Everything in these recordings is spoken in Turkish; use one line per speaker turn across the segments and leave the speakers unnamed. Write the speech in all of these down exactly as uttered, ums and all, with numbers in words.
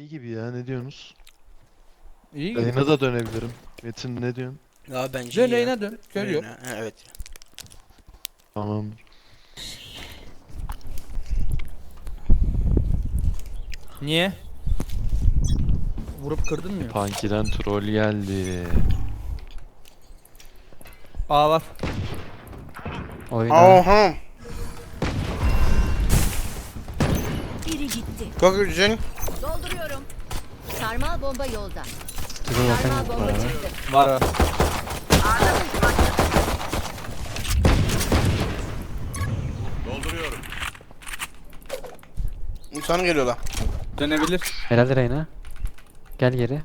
iyi gibi ya, ne diyorsunuz?
İyi gibi.
Yayına da dönebilirim. Metin ne diyorsun?
Ya bence
Dön
iyi ya.
yayına dön. Kör yok.
Yayına, ha, evet.
Tamam.
Niye? Vurup kırdın mı?
Punky'den troll geldi.
Aa var.
Oyna.
Aha.
Biri gitti.
Çok güzel.
Dolduruyorum. Sarmal bomba yolda.
Dur bakayım.
Sarmal bomba çıktı.
Var var.
İnsan geliyorlar.
Dönebilir.
Helal Reyna. Gel geri.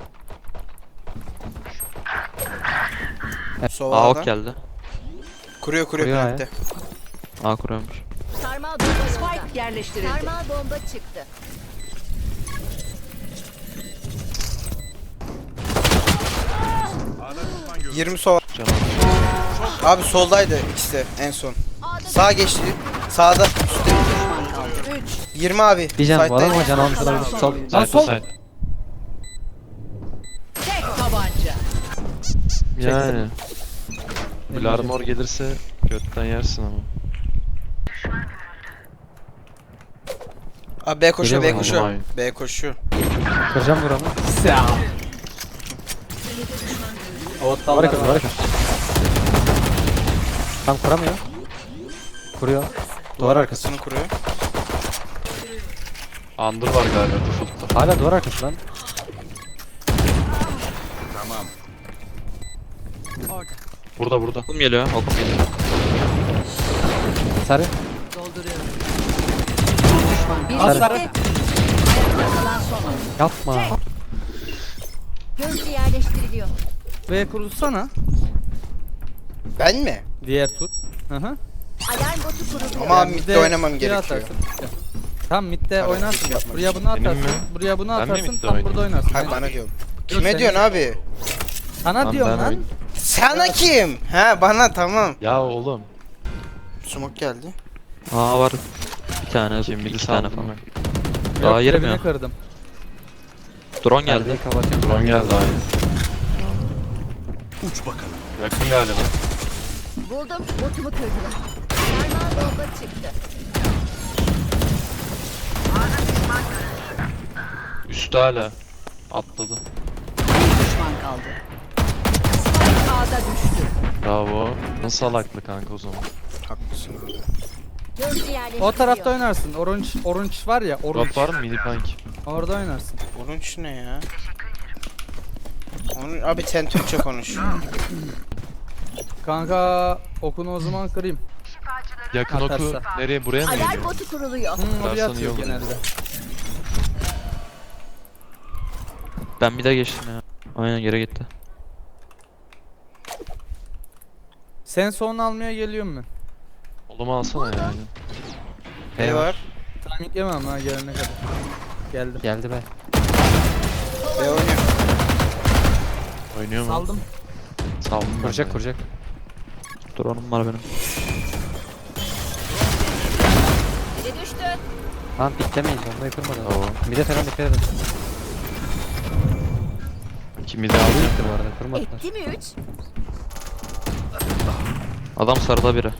A
Sova'da.
ok geldi.
Kuruyor kuruyor
Kuruyor
plakte.
A kuruyormuş.
Sarmal bomba yolda.
Spike yerleştirildi.
Sarmal bomba çıktı.
yirmi Sova.
Canım.
Abi soldaydı ikisi de en son. Sağ geçti. Sağda. Üstte.
Düşman kaldı. üç.
yirmi abi.
Bir can bu adam
Side'daydı.
ama can almış olabilir. Sol.
Lan
Side
sol.
side.
Tek tabanca.
Yani. Blarmor gelirse götten yersin ama.
Abi B koşuyor B
Geliyor mu?
koşuyor.
Vay.
B koşuyor.
Kıracağım buramı.
Sağ. Ottan
Var kız var kız. Tam kuramıyor. Kuruyor. Duvar arkası.
Arkasını kuruyor.
Under var galiba default'ta.
Hala duvar arkası lan.
Burada burada.
Okum geliyor. Okum geliyor.
Sarı.
Dolduruyorum.
Az sarı.
Kalan son oyun.
Yapma.
Gözcü yerleştiriliyor.
V kurutsana.
Ben mi?
Diğer tur. Hı hı.
Alarm botu kuruluyor.
Ama abi
Bir
midde
de
oynamam
bir
gerekiyor.
atarsın. Tam midde
Tabii,
oynarsın
hiç
bak.
yapma.
Buraya bunu
Benim
atarsın.
mi?
Buraya bunu
Ben mi
atarsın.
midde
Tam burada
oynayayım?
oynarsın.
Hayır
Aynen.
bana diyorum.
Yok,
Kime
sen-
diyorsun abi?
Sana
Lan
diyorum
ben
lan.
oyun-
Sana kim? He bana tamam.
Ya oğlum.
Smoke geldi.
A var. Bir tane,
Kim
iki
bizi
tane
saldın
falan.
mı?
Yok,
Daha yerim
cebine
ya.
kırdım.
Drone geldi.
Perdeyi kapatıyorum.
Drone geldi aynı. Uç bakalım. Yakın galiba.
Buldum. Botumu kırdılar. Sarmal bomba çıktı.
Üstü hala. Atladı.
Bir düşman kaldı. Spike A'da düştü.
Bravo. Nasıl salaklı kanka o zaman?
Haklısın abi.
Gözcü yerleştiriliyor.
O tarafta oynarsın. Orange orange var ya, orange.
Drop var mı mini punk?
Orada oynarsın.
Onun için ne ya? Onun, abi sen Türkçe konuş.
Kanka okunu o zaman kırayım.
Yakın oku
Atarsa.
nereye, buraya mı
Alarm
geliyor?
botu kuruluyor.
Hmm, oraya
Atarsan iyi
atıyor
olur.
genelde.
Ben bir de geçtim ya. Aynen geri gitti.
Sen son almaya geliyorum ben.
Oğlum alsana yani.
Ne var?
Timing yemem ha gelene kadar. Geldim.
Geldi be.
B oynuyor.
Oynuyor mu?
Saldım.
Saldım ben
Kuracak
de.
kuracak.
Drone'um var benim.
Biri düştü.
Lan piklemeyin. Bombayı kırmadan.
Tamam.
Bir de falan dikkat edin.
Kimi de aldı.
Bitti bu arada. Kırmadılar.
Etti mi üç?
Adam sarıda biri.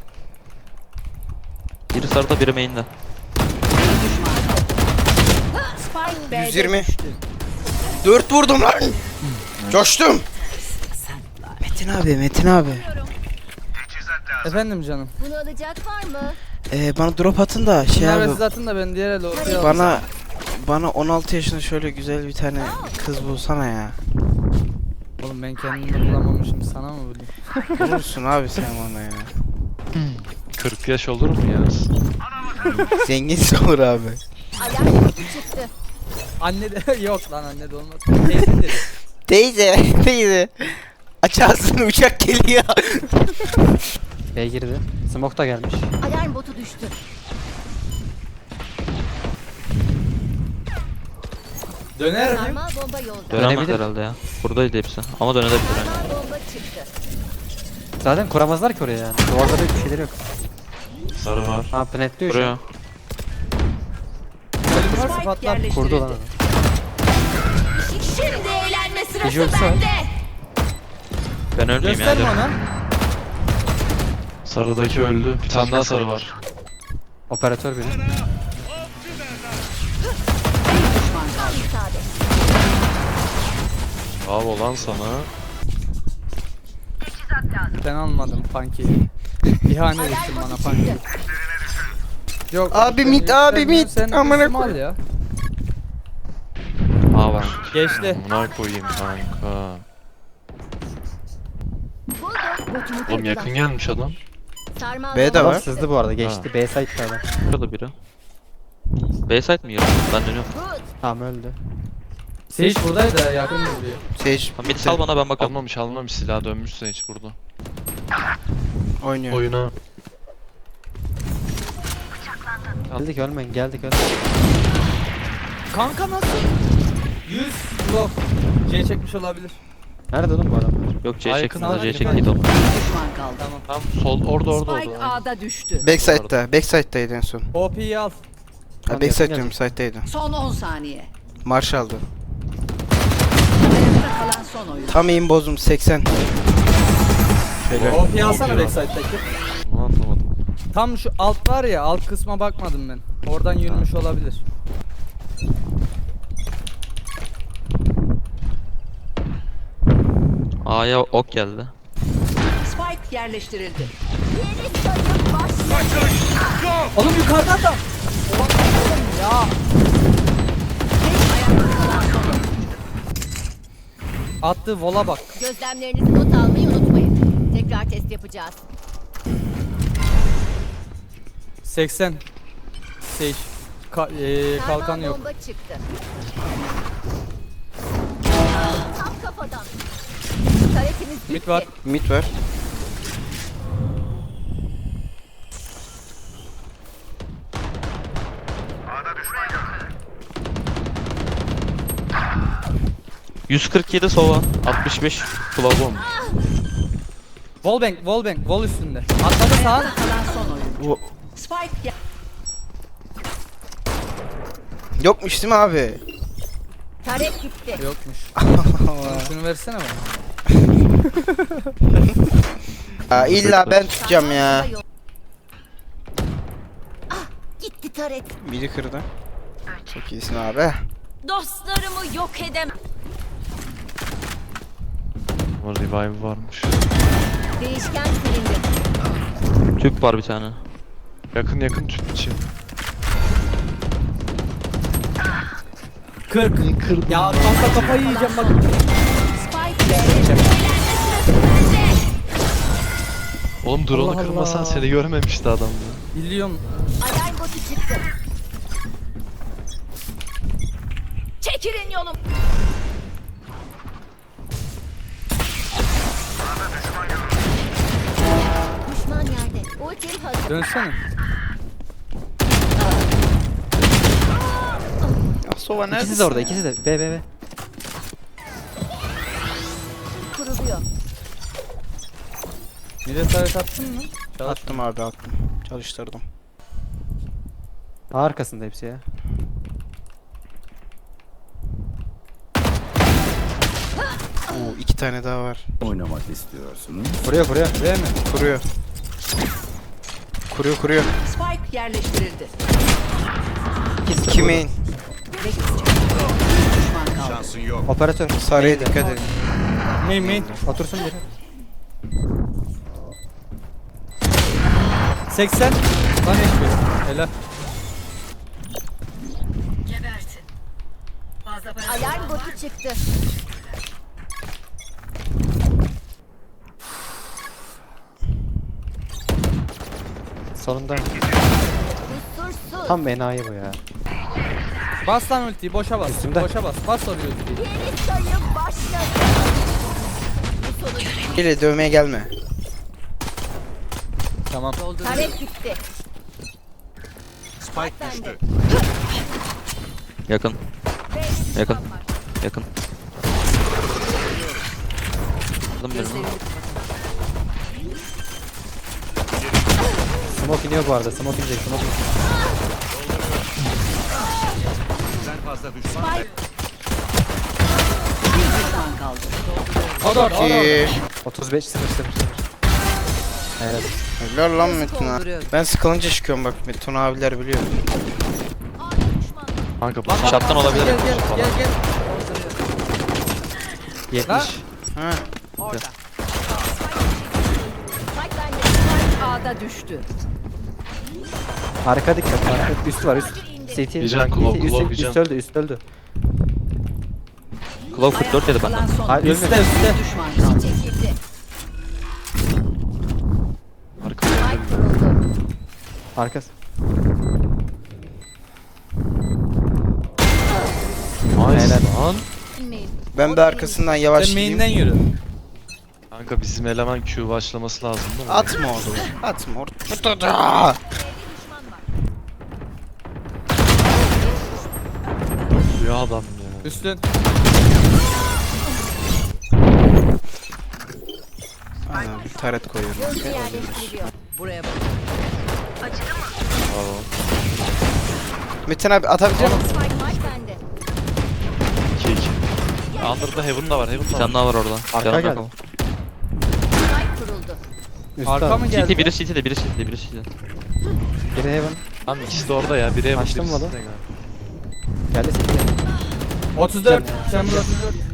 Biri sarıda, biri main'de.
Bir düşman kaldı. Spike B'de
yüz yirmi.
düştü.
dört vurdum lan. Coştum. Metin abi, Metin abi.
Efendim canım.
Bunu alacak var mı?
Ee, bana drop atın da şey
Bunlar
abi.
zaten da ben diğer elde ortaya aldım.
Bana bana on altı yaşında şöyle güzel bir tane kız bulsana ya.
Oğlum ben kendimi bulamamışım, sana mı bulayım?
Bulursun abi sen bana ya.
kırk yaş olur mu ya?
Zenginsin olur abi.
Alarm botu çıktı.
Anne de yok lan, anne de olmaz. Teyze dedi.
Teyze, teyze. Aç ağzını, uçak geliyor.
B girdi. Smoke da gelmiş.
Alarm botu düştü.
Döner mi?
Sarmal bomba yolda.
Dönemez
Dönebilir.
herhalde ya. Buradaydı hepsi. Ama dönebilir yani.
Sarmal bomba çıktı.
Zaten kuramazlar ki oraya yani. Duvarda bir şeyleri yok.
Sarı var.
Ha penetliyor şu an.
Buraya.
Elim var
Spike
sıfatlar.
yerleştirildi.
Kurdu lan adam. Gece ölse var.
Ben ölmeyeyim
Gösterme
yani.
ona.
Sarıdaki öldü. Bir tane daha sarı var.
Operatör biri.
Bir düşman kaldı.
Sade.
Bravo lan sana.
Ben almadım pankeyi. İhanet ettin
Alarm
bana
botu
pankeyi.
çıktı.
Yok.
Abi
sen
mid, abi
yükselmiyorsun,
mid.
sen
Amına
üstüme
koy-
al ya.
A var.
Geçti.
Buna koyayım kanka.
Buldum. Botumu
Oğlum
kırdılar.
yakın gelmiş adam.
Sarmal
B'de
bomba
var.
Adam sızdı bu arada geçti. B site'da adam.
Şurada biri. B site mi yarı? Ben dönüyorum.
Good.
Tamam öldü.
Sage buradaydı ya, yakın duruyor.
Sage
Tamam, mid sal bana, ben bakalım.
Almamış almamış silah dönmüşse hiç burada.
oynuyor.
Oyuna.
Geldik ölmeyin geldik ölmeyin.
Kanka nasıl? yüz blok. C çekmiş olabilir.
Nerede oğlum bu adamlar?
Yok C
Ay,
çeksin
yakın
de C
abi,
çekti oğlum.
Bir düşman kaldı.
Tamam.
Tam sol orada orada
Spike
orada. aynen.
A'da düştü.
Backside'da. Backside'daydı en son.
O P'yi al.
Ha,
Tamam,
backside
yakın
diyorum, side'daydı.
Son on saniye.
Marshall'dı.
Ayakta kalan son oyun.
Tam aim bozdum seksen. Şöyle.
O P'yi alsana backside'daki.
Bunu anlamadım.
Tam şu alt var ya, alt kısma bakmadım ben. Oradan yürümüş olabilir.
A'ya ok geldi.
Spike yerleştirildi.
Yeni sayım başladı.
Oğlum yukarıdan da. Ya.
Ayakta kalan son oyun.
Attığı vola bak.
Gözlemlerinizi not almayı unutmayın. Tekrar test yapacağız.
seksen. Sage. Ka eee,
Sarmal
kalkan yok.
bomba çıktı. Tam kafadan. Taretimiz bitti.
Mid var.
Mid var.
yüz kırk yedi sova. altmış beş Flavon.
Wallbang, wallbang, wall üstünde. Atladı sağa.
Ayakta kalan son oyun.
Bu
Spike yer-
yokmuş değil mi abi?
Taret gitti.
Yokmuş. Şunu versene bana.
Aa, illa ben tutacağım ya.
Ah, gitti taret.
Biri kırdı. Çok iyisin abi.
Dostlarımı yok edemem.
Ama revive varmış.
Değişken silindi.
Tüp var bir tane.
Yakın yakın tüp için.
kırk. Ya kanka kafayı yiyeceğim bak.
Spike yerleştirildi.
Oğlum drone'u
Allah
kırmasan
Allah.
seni görmemişti adam ya.
Biliyorum.
Alarm botu çıktı. Çekilin yolum. Düşman yerde. Ultim hazır.
Dönsene.
Sova
İkisi de orada ikisi de. B B B.
Kuruluyor.
Mide taret attın mı? Çalış.
Attım abi attım. Çalıştırdım.
A arkasında hepsi ya.
Oo, iki tane daha var.
oynamak istiyorsunuz?
Vuruyor vuruyor.
Değil mi?
Kuruyor. Kuruyor kuruyor.
Spike yerleştirildi.
İki main.
Bir düşman kaldı.
Şansın yok.
Operatör.
Sarıya dikkat edin.
Main main.
Otursun biri.
seksen. Lan eşki. Helal.
Alarm botu çıktı.
Sonunda
Kusursuz.
tam enayi bu ya.
Bas lan ultiyi, boşa bas.
Üstümde.
Boşa bas. Bas oraya ultiyi.
Yeni sayım başladı. Bu sonuç.
Gele dövmeye gelme.
Tamam.
Taret gitti.
Spike
Bende.
düştü.
Yakın.
B'de
Yakın.
düşman var.
Yakın. Aldım birini.
Smoke iniyor bu arada. Smoke inecek. Smoke inecek.
Sen fazla düşman.
Bir düşman kaldı.
Adam
Ki.
otuz beş sıfır sıfır sıfır. Evet.
Helal lan Metin ha.
Dolduruyorum.
Ben sıkılınca çıkıyorum bak Metin abiler biliyor.
Kanka bu
Lan,
Şarttan olabilir.
Gel gel
Falan.
gel gel.
yetmiş.
Ha.
Orada.
Spike bende.
Spike A'da düştü.
Arka dikkat. Arka. Üst var üst. C T.
Vision, Claw,
üst,
Claw,
üst,
Vision.
üst öldü üst öldü.
Claw kırk dört yedi
Kalan
benden.
son
Hayır
oyuncu.
ölmedi.
Üstte üstte.
Bir düşman kaldı.
Çekildi.
arka
Spike kuruldu.
Arkası.
Nice
Helal.
lan.
Bilmeyin.
Ben bir arkasından
Sen
yavaş
main'den
gideyim.
yürü.
Kanka bizim eleman Q başlaması lazım değil mi?
Atma oğlum. Atma orada.
Düşman var.
Ya adam ya.
Üstün.
Aynen, taret koyuyorum.
Gözcü yerleştiriliyor.
Buraya bak.
Bravo.
Metin abi atabilecek misin?
Spike Spike bende.
iki iki. Under'da Heaven da var. Heaven
Bir
da var.
tane daha var orada.
Arka
Yanında
geldi.
kal.
Spike kuruldu.
Üst
Arka
var.
mı
C T
geldi?
biri C T'de biri C T'de biri C T'de.
Biri heaven.
Tamam ikisi de orada ya. Biri Heaven
Açtın
birisi
mı
de
lan?
galiba.
Geldi C T.
otuz dört. Sen burada otuz dört.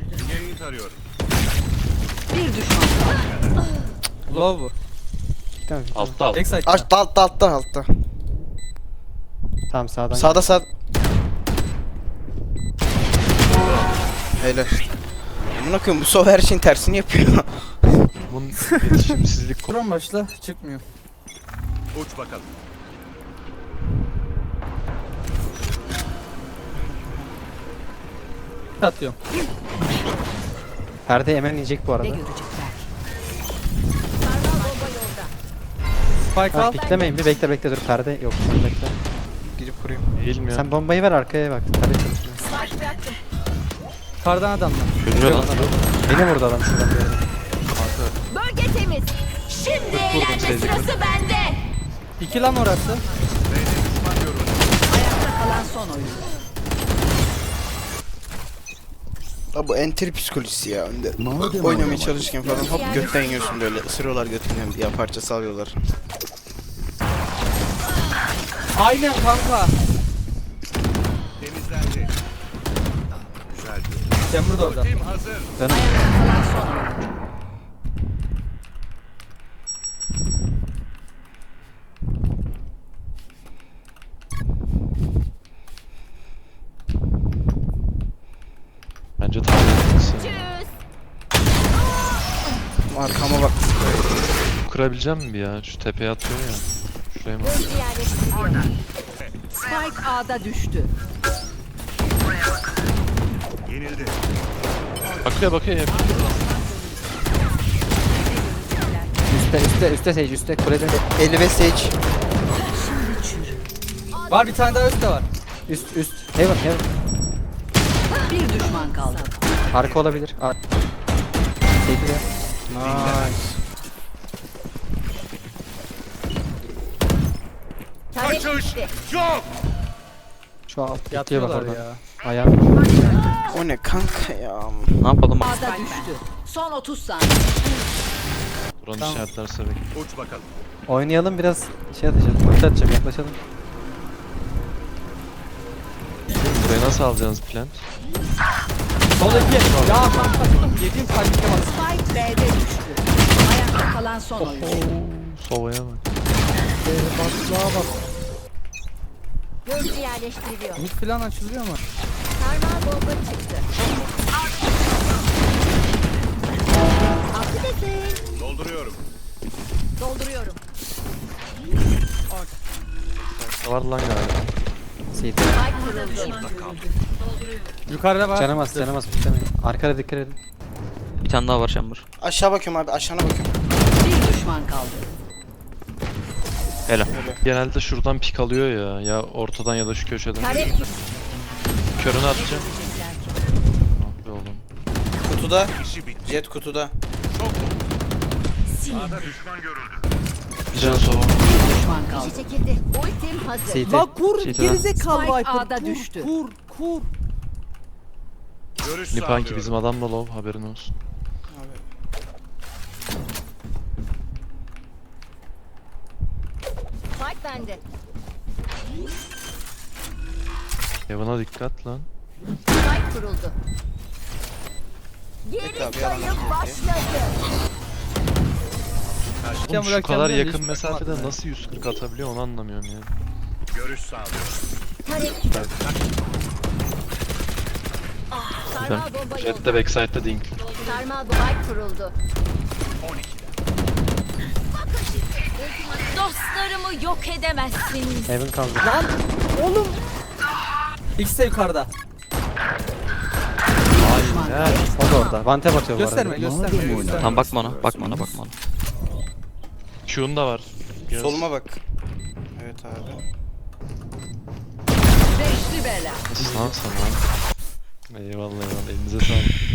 Bir düşman kaldı.
Low bu.
Tamam.
Altta altta.
Backside.
Altta altta altta altta.
Tamam sağdan.
Sağda sağ. Helal. Amına koyayım bu sol her şeyin tersini yapıyor.
Bunun iletişimsizlik konu.
Kuran başla çıkmıyor.
Uç bakalım.
Atıyorum.
Perde hemen inecek bu
Ne
arada.
görecekler?
Sarmal bomba yolda.
Spike
Ha,
al.
piklemeyin bir bekle bekle dur perde yok sen bekle.
Gidip kurayım.
Eğilmiyor.
Sen bombayı ver arkaya bak. Perde çalışmıyor.
Spike bıraktım.
Kardan adamlar.
Görüyor lan.
Beni vurdu adam şuradan bir yerden.
Bölge temiz. Şimdi eğlenme
sevdim.
sırası bende.
İki lan orası.
Ayakta kalan son oyuncu.
Abi bu enter psikolojisi ya. Önde oynamaya çalışırken falan hop götten yiyorsun böyle. Isırıyorlar götünden diye parça salıyorlar.
Aynen kanka.
Temizlendi. Güzel.
Sen burada orada.
Tim hazır.
Canım.
Kalan son oyuncu.
Bence tahmin etmesi.
Tschüss.
Arkama bak.
Kurabileceğim mi bir ya? Şu tepeye atıyor ya. Şuraya mı?
Gözcü yerleştiriliyor.
Spike A'da düştü.
Yenildi.
Bakıyor bakıyor ya.
Üste üste üste sage üste kulede.
elli beş sage.
Var bir tane daha üstte var.
Üst üst. Heaven heaven.
Bir düşman kaldı.
Arka olabilir. Ar C T'de.
Nice.
Tarek
Kaçış
gitti.
yok.
Şu alt bitiyor bak
Yatıyorlar
oradan.
ya.
Ayağım.
O ne kanka ya.
Ne yapalım?
A'da düştü. Son otuz saniye.
Buranın
Tamam.
işaretlerse bekle.
Uç bakalım.
Oynayalım biraz şey atacağım. Ulti atacağım yaklaşalım.
Burayı nasıl alacaksınız plant?
Sol iki. Ya kanka. Yediğim kalbime bak.
Spike B'de düştü. Ayakta kalan son oyuncu.
Sova'ya bak.
Gözcü yerleştiriliyor.
Mid falan açılıyor mu?
Sarmal bomba çıktı. Affedersin.
Dolduruyorum.
Dolduruyorum.
Var lan galiba.
C T.
Spike kuruldu.
Yukarıda var.
Canım az canım az piklemeyin. Arkada dikkat edin.
Bir tane daha var Chamber.
Aşağı bakıyorum abi aşağına bakıyorum.
Bir düşman kaldı.
Helal.
Genelde şuradan pik alıyor ya. Ya ortadan ya da şu köşeden.
Tarek
Körünü atacağım. Ah be oğlum.
Kutuda.
İşi bitti.
Jet kutuda.
Sağda düşman görüldü.
Bir can Sova.
Bir düşman kaldı.
kişi çekildi. Ultim hazır.
C T.
La kur
Şeytan.
gerizekalı
Spike
Viper.
A'da
Kur,
düştü.
Kur kur.
Görüş
Nipanki
sağlıyorum.
bizim adam da low haberin olsun.
Abi
Spike bende.
Evan'a dikkat lan.
Spike kuruldu.
Evet abi yalan.
Oğlum şu
bırakacağım
kadar
diye
yakın
hiç
mesafede
bakmadım
nasıl yüz kırk atabiliyor onu anlamıyorum ya.
Görüş sağlıyorum.
Sarmal bomba
Jet
yolda.
de backside'da dink.
Sarmal bomba kuruldu. Dostlarımı yok edemezsiniz.
Heaven kaldı.
İkisi de yukarıda.
Aynen.
O da orada. Vante bakıyor bu
Gösterme
arada.
gösterme. gösterme.
Tamam bakma ona, bakma ona, bakma ona.
Q'un da var. Göz.
Soluma bak. Evet abi.
Beşli bela.
Nasıl lan sana? Eyvallah eyvallah elinize sağlık.